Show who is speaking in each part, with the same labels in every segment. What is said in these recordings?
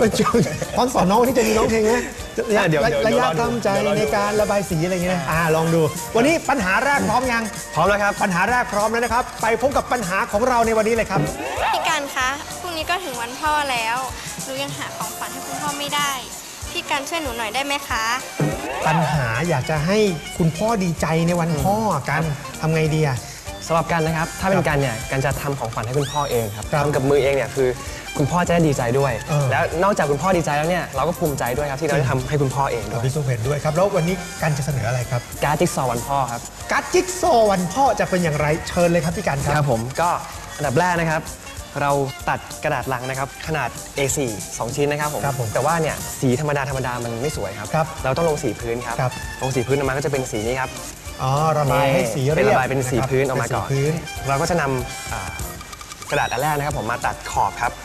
Speaker 1: ตอนสอนน้องวันนี้จะมีน้องเพลงไหมระยะทำใจในการระบายสีอะไรอย่างเงี้ยลองดูวันนี้ปัญหาแรกพร้อมยัง
Speaker 2: พร้อมแล้วครับ
Speaker 1: ปัญหาแรกพร้อมแล้วนะครับไปพบกับปัญหาของเราในวันนี้เลยครับ
Speaker 3: พี่กันคะพรุ่งนี้ก็ถึงวันพ่อแล้วหนูยังหาของขวัญให้คุณพ่อไม่ได้พี่กันช่วยหนูหน่อยได้ไหมคะ
Speaker 1: ปัญหาอยากจะให้คุณพ่อดีใจในวันพ่อกันทำไงดีอะ
Speaker 2: สำหรับกันนะครับถ้าเป็นกันเนี่ยกันจะทำของขวัญให้คุณพ่อเองครับทำกับมือเองเนี่ยคือคุณพ่อจะได้ดีใจด้วยแล้วนอกจากคุณพ่อดีใจแล้วเนี่ยเราก็ภูมิใจด้วยครับที่เราได้ทำให้คุณพ่อเองด้วย
Speaker 1: พี่สุเห็นด้วยครับแล้ววันนี้กันจะเสนออะไรครับ
Speaker 2: การ์ดจิ๊กซอว์วันพ่อครับ
Speaker 1: การ์ดจิ๊กซอว์วันพ่อจะเป็นอย่างไรเชิญเลยครับพี่กัน
Speaker 2: ครับผมก็อันดับแรกนะครับเราตัดกระดาษลังนะครับขนาด A4 2 ชิ้นนะครับผมแต่ว่าเนี่ยสีธรรมดามันไม่สวยครับเราต้องลงสีพื้นครับลงสีพื้นออกมาก็จะเป็นสีนี้ครับ
Speaker 1: ระบายให้สีเรียบ
Speaker 2: ระบายเป็นสีพื้นออกมาก่อนเราก็จะนำกระดาษอันแรกนะครับผมมาตัดขอบครับ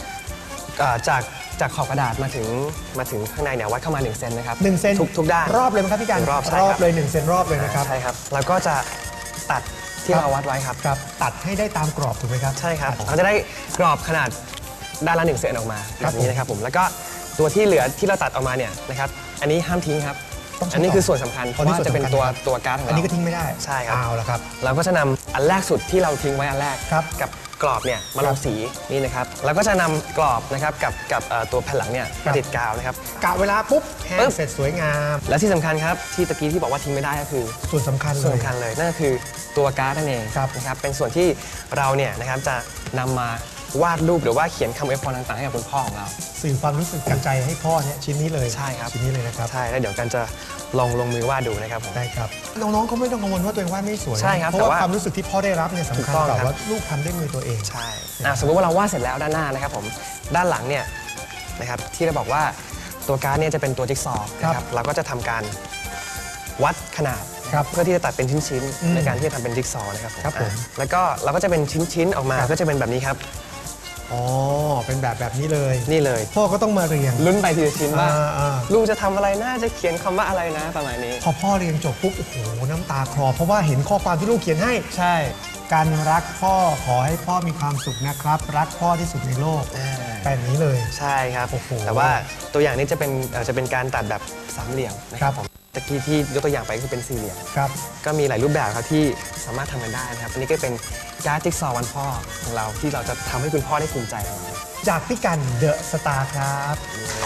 Speaker 2: จากขอบกระดาษมาถึงข้างในเนี่ยวัดเข้ามา1 เซนนะครับ
Speaker 1: 1 เซน
Speaker 2: ทุกด้าน
Speaker 1: รอบเลยไหมครับพี่กันรอบเลย1 เซนรอบเลยนะครับ
Speaker 2: ใช่ครับแล้วก็จะตัดที่เราวัดไว้ครับ
Speaker 1: ตัดให้ได้ตามกรอบถูกไหมครับ
Speaker 2: ใช่ครับเขาจะได้กรอบขนาดด้านละ1 เซนออกมาแบบนี้นะครับผมแล้วก็ตัวที่เหลือที่เราตัดออกมาเนี่ยนะครับอันนี้ห้ามทิ้งครับอันนี้คือส่วนสำคัญเพราะว่าจะเป็นตัวการ์ดของเรา
Speaker 1: อันนี้ก็ทิ้งไม่ได้
Speaker 2: ใช่ครับ
Speaker 1: เอาละครับ
Speaker 2: เราก็จะนำอันแรกสุดที่เราทิ้งไว้อันแรกกับกรอบเนี่ยมาลงสีนี่นะครับแล้วก็จะนำกรอบนะครับกับตัวแผ่นหลังเนี่ยมาติดกาวนะครับ
Speaker 1: กะเวลาปุ๊บแห้งเสร็จสวยงาม
Speaker 2: และที่สำคัญครับที่ตะกี้ที่บอกว่าทิ้งไม่ได้ก็คือ
Speaker 1: ส่วนสำคัญ
Speaker 2: เลยนั่นก็คือตัวการ์ดนั่นเองนะครับเป็นส่วนที่เราเนี่ยนะครับจะนำมาวาดรูปหรือว่าเขียนคำอวยพรต่างๆให้กับคุณพ่อของเรา
Speaker 1: สื่อความรู้สึกกันใจให้พ่อเนี่ยชิ้นนี้เลย
Speaker 2: ใช่ครับ
Speaker 1: ชิ้นนี้เลยนะครับ
Speaker 2: ใช่แล้วเดี๋ยวกันจะลงมือวาดดูนะครับผม
Speaker 1: ได้ครับน้องๆก็ไม่ต้องกังวลว่าตัวเองวาดไม่สวย
Speaker 2: ใช่ครับ
Speaker 1: เพราะว่าความรู้สึกที่พ่อได้รับเนี่ยสำคัญกว่าว่าลูกทำด้วยมือตัวเอง
Speaker 2: ใช่สมมติว่าเราวาดเสร็จแล้วด้านหน้านะครับผมด้านหลังเนี่ยนะครับที่เราบอกว่าตัวการ์ดเนี่ยจะเป็นตัวจิ๊กซอว์นะครับเราก็จะทำการวัดขนาดเพื่อที่จะตัดเป็นชิ้นๆในการที่จะทำเป็นจิ๊กซอว์นะครับผมแล้วก็เราก็จะเป็นชิ้นๆออกมาก็จะเป็นแบบนี้ครับ
Speaker 1: เป็นแบบนี้เลย
Speaker 2: นี่เลย
Speaker 1: พ่อก็ต้องมาเรียง
Speaker 2: ลุ้นไปทีละชิ้นว่าลูกจะทำอะไรนะจะเขียนคำว่าอะไรนะประมาณนี้
Speaker 1: พอพ่อเรียงจบปุ๊บโอ้โหน้ำตาคลอเพราะว่าเห็นข้อความที่ลูกเขียนให้
Speaker 2: ใช่
Speaker 1: การรักพ่อขอให้พ่อมีความสุขนะครับรักพ่อที่สุดในโลกแบบนี้เลย
Speaker 2: ใช่ครับแต่ว่าตัวอย่างนี้จะเป็นการตัดแบบสามเหลี่ยมนะครับผมตะกี้ที่ยกตัวอย่างไปคือเป็นสี่เหลี่ยมก็มีหลายรูปแบบครับที่สามารถทำกันได้นะครับอันนี้ก็เป็นการ์ดจิ๊กซอว์วันพ่อของเราที่เราจะทำให้คุณพ่อได้ภูมิใจ
Speaker 1: จากพี่กันเดอะสตาร์ครับ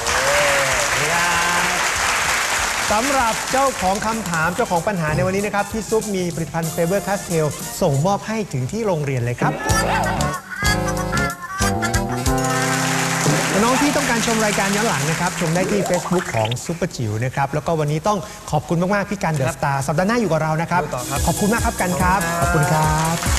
Speaker 1: สำหรับเจ้าของคำถามเจ้าของปัญหาในวันนี้นะครับพี่ซุปมีผลิตภัณฑ์เฟเบอร์คาสเทลส่งมอบให้ถึงที่โรงเรียนเลยครับน้องที่ต้องการชมรายการย้อนหลังนะครับชมได้ที่ Facebook ของซุปเปอร์จิ๋วนะครับแล้วก็วันนี้ต้องขอบคุณมากๆพี่กันเดอะสตาร์สัปดาห์หน้าอยู่กับเรานะครับขอบคุณมากครับกันครับขอบคุณครับ